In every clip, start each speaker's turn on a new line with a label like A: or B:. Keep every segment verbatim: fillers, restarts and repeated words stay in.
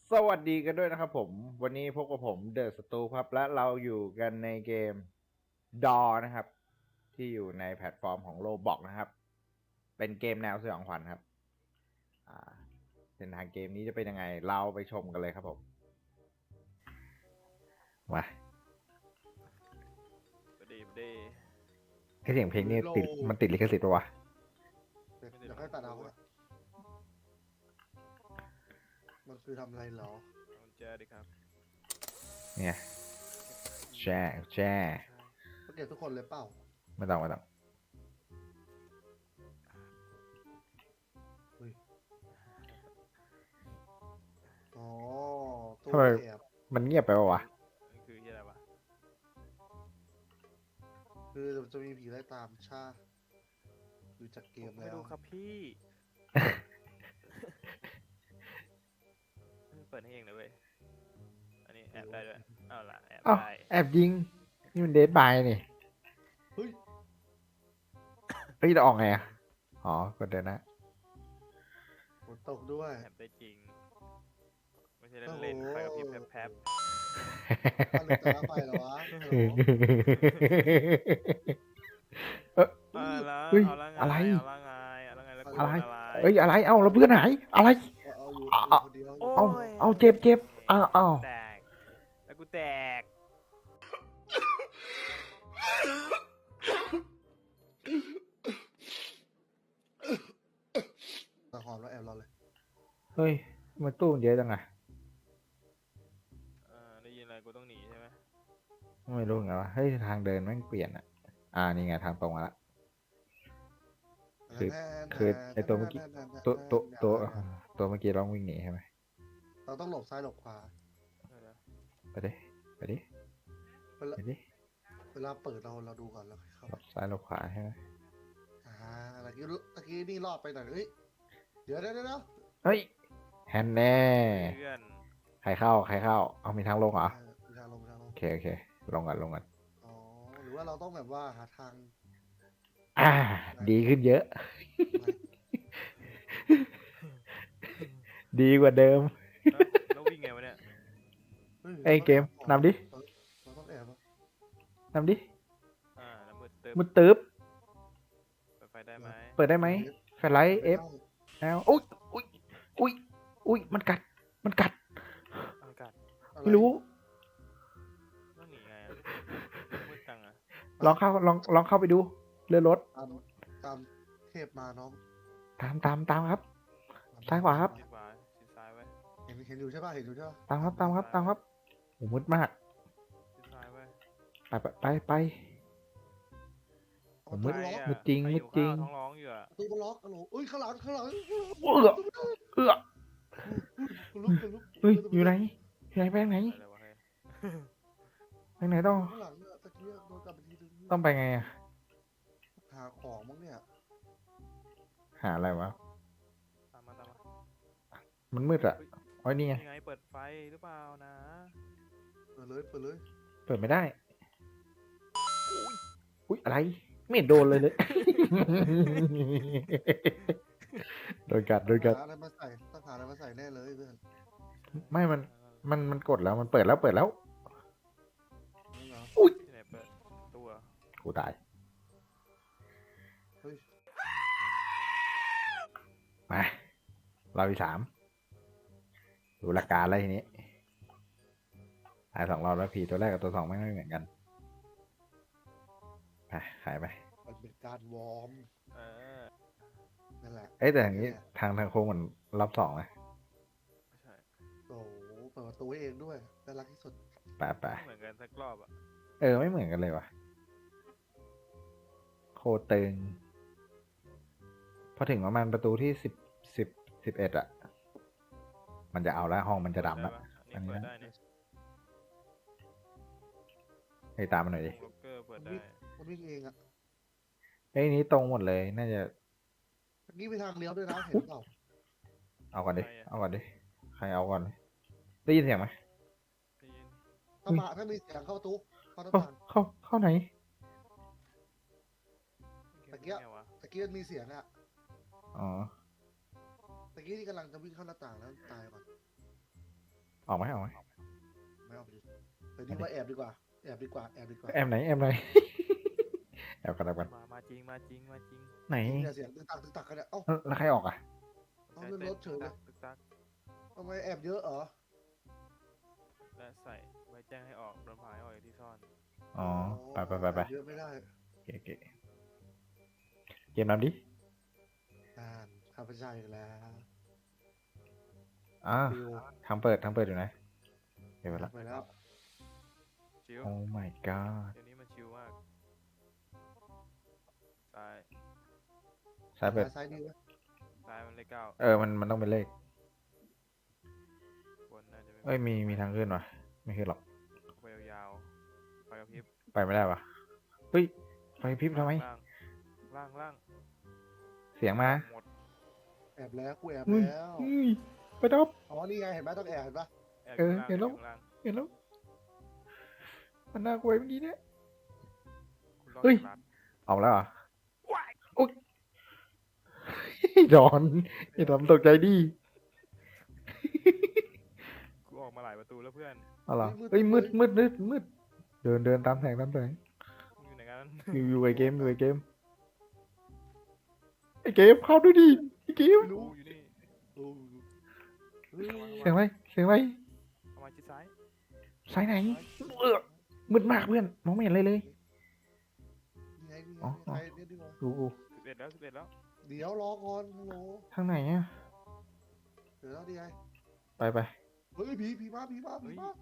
A: สวัสดีกันด้วยนะครับผมวันนี้พบกับผมเดอะสตูครับและเราอยู่กันในเกมดอนะครับที่อยู่ในแพลตฟอร์มของโ o บอกนะครับเป็นเกมแนวสยองขวัญครับอ่าเส้นทางเกมนี้จะเป็นยังไงเราไปชมกันเลยครับผมมา
B: บดีบดี
A: ไอเสียงเพลงนี้
C: โล
A: ติดมันติดลิขสิทธิ์ปะวะ
C: เดี๋ยวเดี๋ยวค่อยตัดเอาอะมันคือทำอะไรเหรอ
B: เอากุญแจดิครับ
A: เนี่ยแช่แช่
C: ก็เก็บทุกคนเลยเปล่า
A: ไม่ต้องไม่ต้อง
C: อ๋อตู้
A: ทำไม
C: แอบ
A: มันเงียบไปปะวะ
B: นี่คือที่อะไรวะ
C: คือจะมีผีไล่ตามชาดูจากเกม
B: ไม่
C: แล้ว
B: รู้ครับพี่เปิดให้เองนะเว้ยอันนี้แอบได้ด้วยเอาล่ะแอบ
A: เอ้า
B: ได้
A: แอบยิงนี่มันเดดบายนี่
C: เฮ้ย
A: เฮ้ยเราออกไงอ่ะอ๋อกดเดินนะ
C: ฝนตกด้วย
B: แอบได้จริงไม่ใช่เล่นๆไปกับพี่แพบ
C: ถ้าลืมตาไปเหรอวะฮัลโหล
A: เออ
B: ๆเอาละ
A: เฮ้ย
B: เอาละไง
A: อะไร
B: เอาละไงเอาละไงแล้วกู
A: อะไร
B: โดนอะไร
A: เอ้ยอะไร เอ้าแล้วเพื่อนหายอะไร
C: เอาอยู่
A: อ่ะ
C: อยู่คนเดียว
B: โอ้
A: เอา
B: ย
A: เอาเจ็บเจ็บอ้าวอ้าว
B: แตกแล้วกูแตก
C: ตะหอมแล้วแอบเราเลย
A: เฮ้ยมันตู้มันเยอะจังอะ
B: อ่าได้ยินอะไรกูต้องหนีใช่ไหม
A: ไม่รู้ไงวะเฮ้ยทางเดินแม่งเปลี่ยนอะอ่านี่ไงทางตรงมาละ คือคือไอ้ตัวเมื่อกี้ตัวตัวตัวตัวเมื่อกี้ร้องวิ่งหนีใช่ไหม
C: เราต้องหลบซ้ายหลบขวา
B: เดี๋ยว
A: ไปดิไปดิ
C: เวลา
A: ไปดิ
C: เวลาเปิดเราเราดูก่อนแล้วค่อยเข้า
A: หลบซ้ายหลบขวาใช่ไหม
C: อ่าตะกี้ตะกี้นี่รอดไปหน่อยเฮ้ยเดี๋ยวเดี๋ยวเดี๋ยว
A: เฮ้ยแฮนแน่
B: ๆเพื่อน
A: ใครเข้าใครเข้าเอามีทางลงเหรอ
C: เออมีทางลงมีทางลง
A: โอเคโอเคลงกันลงกัน
C: อ๋อหรือว่าเราต้องแบบว่าหาทาง
A: อ่า ดีขึ้นเยอะ ดีกว่าเดิม
B: แล้วแล้ววิ่งไงวะเนี่ย
C: ฮ้ย
A: ไอ้เกมนำดิ
C: เราต้องแอบอะ
A: นำดิ
B: อ่าแล้วมืดตึ๊บ
A: มุดตึ๊บ
B: เปิดไฟได้ไหม
A: เปิดได้ไหมแฟลชไลท์เอฟแล้วอุ้ยอุ้ยอุ้ยอุ้ยมันกัด มันกัด
B: อากาศ
C: อะ
A: ไม่รู้
B: ต้องหนีไงอะมืดจังอะ
A: ลองเข้าลองลองเข้าไปดูเรือรถ
C: ตามตามเทพมาน้อง
A: ตามตามตามครับ ซ้ายขวาครับ
B: ชิดขวาชิดซ้ายไว้
C: เห็นเห็นอยู่ใช่ป่ะเห็นอยู่ใช่ป่ะ
A: ตามครับตามครับตามครับโอ้มืดมาก
B: ชิดซ้ายไว้
A: ไปไปไปไป
C: เอา
A: มื
C: ตู้
A: ด
C: ล็อก
B: อะ
A: มืดจริง
B: ใค
A: มืด
B: อยู่
A: จริง
B: ข้าวท้องร้องอยู่อะ
C: ตู้ล็อกอะโหลเอ้ยข้างหลังข้างหลัง
A: เอื้อเอื้อ
C: กูลุกกูลุก
A: เฮ้ยอยู่ไหนอยู่ไหนไปทางไหน
B: อะไรวะเฮ้ย
A: ไปทางไหนต้อง
C: ข้างหลังเนี่ยตะกี้โดนกลับไปทีนึง
A: ต้องไปไงอะ
C: หาของมั้งเนี่ย
A: หาอะไรวะ
B: ตามมาตามมา
A: มันมืดอะอ๋อนี่ไง
B: ยังไงเปิดไฟหรือเปล่านะ
C: เปิดเลยเปิดเลย
A: เปิดไม่ได้อุ้ยอะไรไม่เห็นโดนเลยเลย โดนกัดโดนกัด
C: หาอะไรมาใส่ต้องหาอะไรมาใส่แน่เลยเพื่อน
A: ไม่มัน มันมันกดแล้วมันเปิดแล้วเปิดแล้ว
C: นี่เหรอ
B: ที่ไหนเปิดตัว
A: กูตาย
C: เฮ้ย
A: มาเราที่สามดูหลักการอะไรทีนี้ตายสองรอบแล้วผีตัวแรกกับตัวสองไม่ไม่เหมือนกันไปขายไป
C: มันเป็นการวอร์ม
B: เออ
C: นั่นแหละ
A: เอ้ยแต่อย่างนี้ทางทางโค้งมันรอบสองนะ
B: ไม่ใช่
C: โอ้โหเปิดประตูให้เองด้วยน่ารักที่สุด
A: ไปไป
B: ไม่เหมือนกันสักรอบอะ
A: เออไม่เหมือนกันเลยว่ะโคตรตึงพอถึงประมาณประตูที่สิบสิบสิบเอ็ดอะมันจะเอาแล้วห้องมันจะดำแล้ว
B: อันนี้เปิดได้เนี่ย
A: ให้ตามมันหน่อยดิ
B: ล็อกเกอร์เปิดได้
C: มันวิ่งเองอะ
A: เอ้ยนี้ตรงหมดเลยน่าจะ
C: เมื่อกี้ไปทางเลี้ยวด้วยนะเห็นเปล่า
A: เอาก่อนดิเอาก่อนดิใครเอาก่อนได้ยินเสียงไหม
B: ได้ยิน
C: ถ้ามาถ้ามีเสียงเข้าประตูเข้าหน้า
A: เข้า
C: ต่าง
A: เข้าเข้าไหน
C: ตะเกียบ
B: ไงวะ
C: ตะกี้มันมีเสียงอะ
A: อ๋อ
C: ตะกี้ที่กำลังจะวิ่งเข้าหน้าต่างแล้วตายก่อน
A: ออกไหมออกไหม
C: ไม่เอาไปดิเดี๋ยวนี้ว่าแอบดีกว่าแอบดีกว่าแอบดีกว่า
A: แอมไหนแอมไหน แอบกันแอบกัน
B: มามาจริงมาจริงมาจริง
A: ไหน
C: จริงเนี่ยเสียงตึกตักตึกตักกันเนี่ยเอ้า
A: แล้วใครออกอ่ะ
C: เอาเลื่อนรถเฉยเลย
B: ตึกตัก
C: ทำไมแอบเยอะเหรอ
B: และใส่ไว้แจ้งให้ออกโดนพายออกจากที่ซ่อน
A: อ๋อไปไปไปไป
C: แอบเยอะไม่ได้
A: โอเคโอเคเกมนำดิ
C: อ่านข้าพเจ้าอีกแล้ว
A: อ่า
C: ฟิว
A: ทางเปิดทางเปิดอยู่ไหนเดี๋ยวไปละ
C: ไปแล้ว
B: ชิว
A: โอ้ my god
B: เดี๋ยวนี้มันชิวมากซ้าย
A: ซ้ายเปิด
C: ซ้ายดีไหม
B: ซ้ายมันเลขเก้า
A: เออมันมันต้องเป็นเลข
B: บนน่าจะไม่
A: เอ้ยมีมีทางขึ้นวะไม่ขึ้นหรอก
B: ไปยาวๆไฟกระพริบ
A: ไปไม่ได้วะเฮ้ยไฟพริบทำไม
B: ล่างล่างล่าง
A: เสียงมา
B: หมด
C: แอบแล้วกูแอบ
A: อุ้ย
C: แล้ว
A: อุ้ยไปดับ
C: อ๋อนี่ไงเห็นไหมต้องแอบเห็นปะ
B: แอบ
A: เออ
B: ล่าง
A: เห็นแล้ว
B: แอบล่าง
A: เห็นแล้วมันน่ากลัวเมื่อกี้เนี่ย
B: คุณรอด
A: เฮ้ย
B: จากรัด
A: ออกแล้วเหรอโอ๊ยดอนไอ้ดอนตกใจดิ
B: กูออกมาหลายประตูแล้วเพื่อน
A: เอาเหรอเฮ้ยมืดมืดมืดมืดเดินเดินตามแสงตามแสง
B: มึงอยู่ไหนกัน
A: อยู่อยู่ไอเกมอยู่ไอเกมไอเกมเข้าด้วยดิไอเกม
B: กูอยู่นี่
C: โอ้เฮ้ย
A: เสียงอะไรเสียงอะไร
B: เอามาชิดซ้าย
A: สายไหนเออมืดมากเพื่อนมองไม่เห็นอะไรเลย
C: นี่ไงนี่ไง
A: อ๋ออ๋อ
C: ใครเนี่ยดีกว่า
A: ดู
B: สิบเอ็ดแล้วสิบเอ็ดแล้ว
C: เดี๋ยวรอก่อนฮัลโหล
A: ทางไหนอ่ะ
C: เดี๋ยวแล้วดีไง
A: ไปไป
C: เฮ้ยผีผีมาผีมาผีมา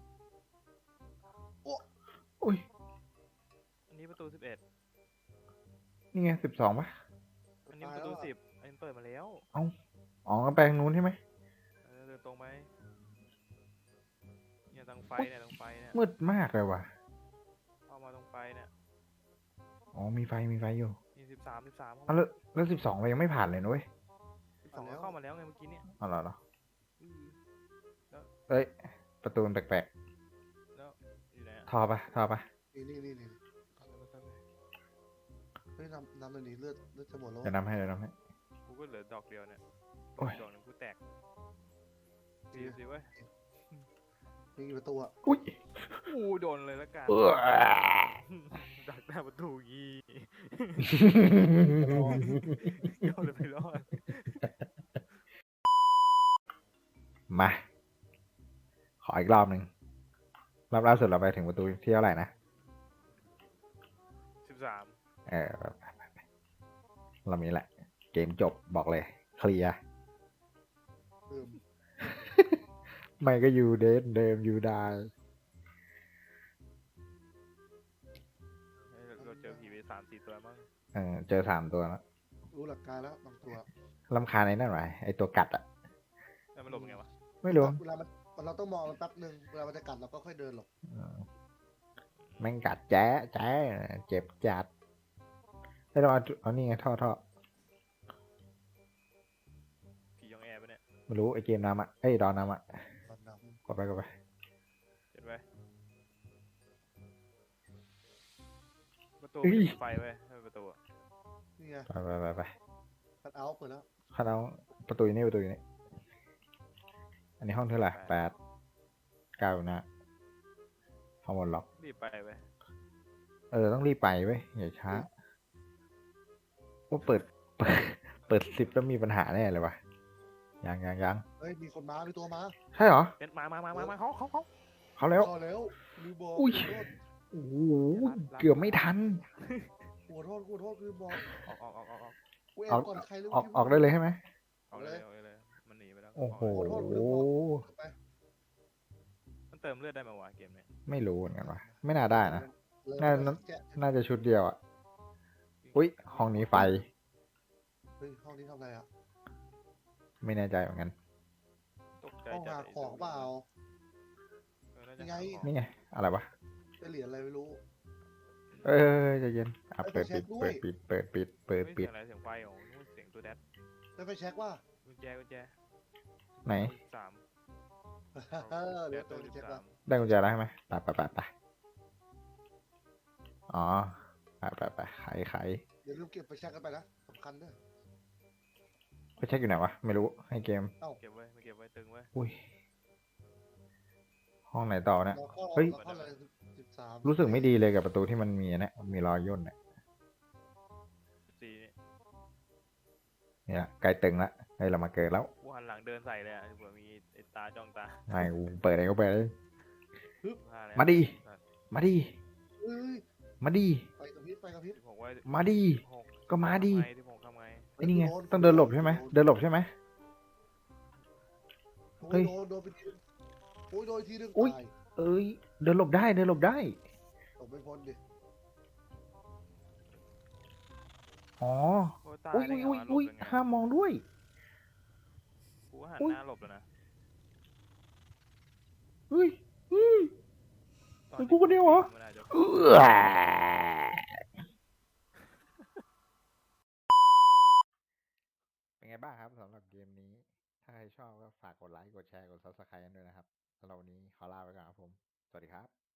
A: อุ้ย
B: อันนี้ประตูสิบเอ็ด
A: นี่ไงสิบสองปะ
B: อันนี้ประตูสิบอันนี้เปิดมาแล้ว
A: อ๋อก็ไปทางนู้นใช่ไหม
B: เออเดินตรงไปเนี่ยตรงไฟเนี่ยตรงไฟเนี่ย
A: มืดมากเลยว่ะ
B: เข้ามาตรงไฟเนี่ย
A: อ๋อมีไฟมีไฟอยู่
B: มีสิบสามสิบสาม
A: อ๋อแล้วแล้วสิบสองเรายังไม่ผ่านเลยนะเว้ย
B: สิบสองเข้ามาแล้วไงเมื่อกี้เนี่ย
A: อ๋อเหรอเหรอ
B: อือ
A: เอ้ยประตูมันแปลก
B: แล้วอยู่ไหนอะ
A: ๆทอปะทอปะ
C: นี่นี่นี่นี่
B: เอาเลยเอาเลย
C: เฮ้ยนำนำเลยนี่เลือดเลือดจะหมดแล้ว
A: เดี๋ยวนำให้เดี๋ยวนำให้
B: กูก็เหลือดอกเดียวเนี่ย
A: โอ้ย
B: ดอกหนึงกูแตกสิสิเว้ย
C: มีกี่ประตูอะ
A: อุ้ย
B: อู้โดนเลยละกัน
A: เออ
B: ดักหน้าประตูงี้โดนเลยไปรอด
A: มา ขออีกรอบหนึ่งรอบล่าสุดเราไปถึงประตูที่เท่าไหร่นะ
B: สิบสาม
A: เออไปไปไปเรามีแหละ เกมจบบอกเลย เคลียร์
C: เติม
A: ไม่ก็อยู่เดนเดิมอยู่ได้
B: เราเจอผีไปสามสี่ตัวมั้ง
A: เออเจอสามตัวแล้ว
C: รู้หลักการแล้วบางตัว
A: ลำคาญไอ้นั่นไหมไอตัวกัดอะ
B: แล้วมันหลบยังไงวะ
A: ไม่รู้
C: เวลามันเราต้องมองมันแป๊บหนึ่งเวลามันจะกัดเราก็ค่อยเดินหลบ
A: เออแม่งกัดแจ๊ะแจ๊ะเจ็บจัดให้เราเอาเอานี่ไงท่อท่อ
B: ผียองแอร์ปะเนี่ย
A: ไม่รู้ไอเกมน้ำอะเอ้ยดอนน้ำอะ
C: ตอนน้
A: กดไปกดไป
B: เห็นไหมประตูมีไฟไว้ให้ประตูอะ
C: ำนี่ไง
A: ไปไปไปไป
C: คัดเอาท์เปิดแล้ว
A: คันเอาประตูอยู่นี่ประตูอยู่นี่อันนี้ห้องเท่าไหร่แปดเก้านะห้องบนล็อก
B: รีบไปไป
A: เออต้องรีบไปเว้ยอย่าช้าว่าเปิด เปิดเปิดสิบแล้วมีปัญหาแน่เลยวะยังยังยัง
C: เฮ้ยมีคนมามีตัวมา
A: ใช่เหรอ
B: เป็นมามามามามาเขาเขาเขา
A: เขาแล้ว
C: พอแล้วลืมบอก
A: อุ้ย
C: ขอโทษ
A: โอ้โหเกือบไม่ทัน
C: ขอโทษขอโทษลืมบอก
B: ออกออกออกออกออก
C: กูแอบก่อนใครหรือ
A: ออกออกได้เลยใช่ไหม
B: ออกเลยออกเลยมันหนีไปแล้ว
A: โอ้โห
C: ไป
B: มันเติมเลือดได้ไหมวะเกมเนี้ย
A: ไม่รู้เหมือนกันวะไม่น่าได้นะ
C: เลย
A: น่า
C: เลยแกะ
A: น่าจะชุดเดียวอ่ะอุ้ยห้องนี้ไฟ
C: เฮ้ยห้องนี้ทำอะไรอ่ะ
A: ไม่แน่ใจเหมือนกัน
B: ตกใจ
C: ห้อง
B: จัด
C: หาของเปล่า
B: เออน่าจะ
C: ยังไง
B: หาของ
A: นี่ไงอะไรวะ
C: เป็นเหรียญอะไรไม่รู้
A: เออใจเย็นอ่ะเปิดปิดเปิดปิดเปิดปิดเปิด
B: เฮ้ย
A: ปิ
B: เสี
A: ด
B: ยงอะไรเสียงไฟโอ้โหนึกว่าเสียงตัวแดด
C: ได้ไปเช็คว่า
B: กุญแจกุญแจ
A: ไหน
B: สาม
C: เออ
B: เดี๋
C: เดี๋
B: ย
C: ยว ว
B: ตั
C: ตัว ว
B: สิบ
C: เช็ค
B: สา
C: ว่าม
A: ได้กุญแจแล้วใช่ไหมไปไปไปไปอ๋อไปไปไปไขไข
C: อย่าลืมเก็บไปเช็คกันไปนะสำคัญด้วย
A: ไปเช็คอยู่ไหนวะไม่รู้ให้เกม
B: เก็บไว้ไม่เก็บไว้ตึงไว้
A: อุ้ยห้องไหนต่อเนี่ย
C: เราเข้า
A: เฮ้ย
C: เราเข้าเลยสิบสาม
A: รู้สึกไม่ดีเลยกับประตูที่มันมีเนี่ยมีรอยย่นเนี่ย
B: สี่นี่
A: เนี่ยใกล้ตึงละเฮ้ยเรามาเกิดแล้ว
B: กูหันหลังเดินใส่เลยอ่ะเผื่อมีไอ้ตาจ้องตา
A: ไม่กูเปิดอะไรก็เปิดเลย
B: พลาดแล้ว
A: มาดิ มาดิ
C: เอ้ย
A: มาดิ
C: ไปกับพริบไปกับพริบ
B: สิบหกไว้
A: มาดิ
B: สิบหก
A: ก็มาดิ
B: ทำไงสิบหกทำไง
A: ไอ้นี่ไงต้องเดินหลบใช่ไหมเดินหลบใช่ไหม
C: โอ้
A: เฮ้
C: ย
A: ย
C: โดนโดนไปทีนึงโอ้ยโดนทีนึง
A: อุ๊ย
C: ตาย
A: เอ้ยเดินหลบได้เดินหลบได้
C: ตกไม่พ้นดิ
A: อ๋อ
B: โอ้ยตาย
A: อุ้ย
B: ได้
A: อุ้ย
B: ไง
A: อุ้ยว อุ้ย
B: ะหลบยังไง
A: ห้ามมองด้วย
B: กูก็หัน
A: อุ๊ย
B: หน้าหลบแล้วนะ
A: เฮ้ยเฮ้ย
B: ตอ
A: เป็นกูคนเดียวเหรอ
B: มันอาจจะ
A: เอื้อเป็นไงบ้างครับสำหรับเกมนี้ ถ้าใครชอบก็ฝากกดไลค์ กดแชร์ กด ซับสไครบ์ กันด้วยนะครับสำหรับวันนี้ขอลาไปก่อนครับผม สวัสดีครับ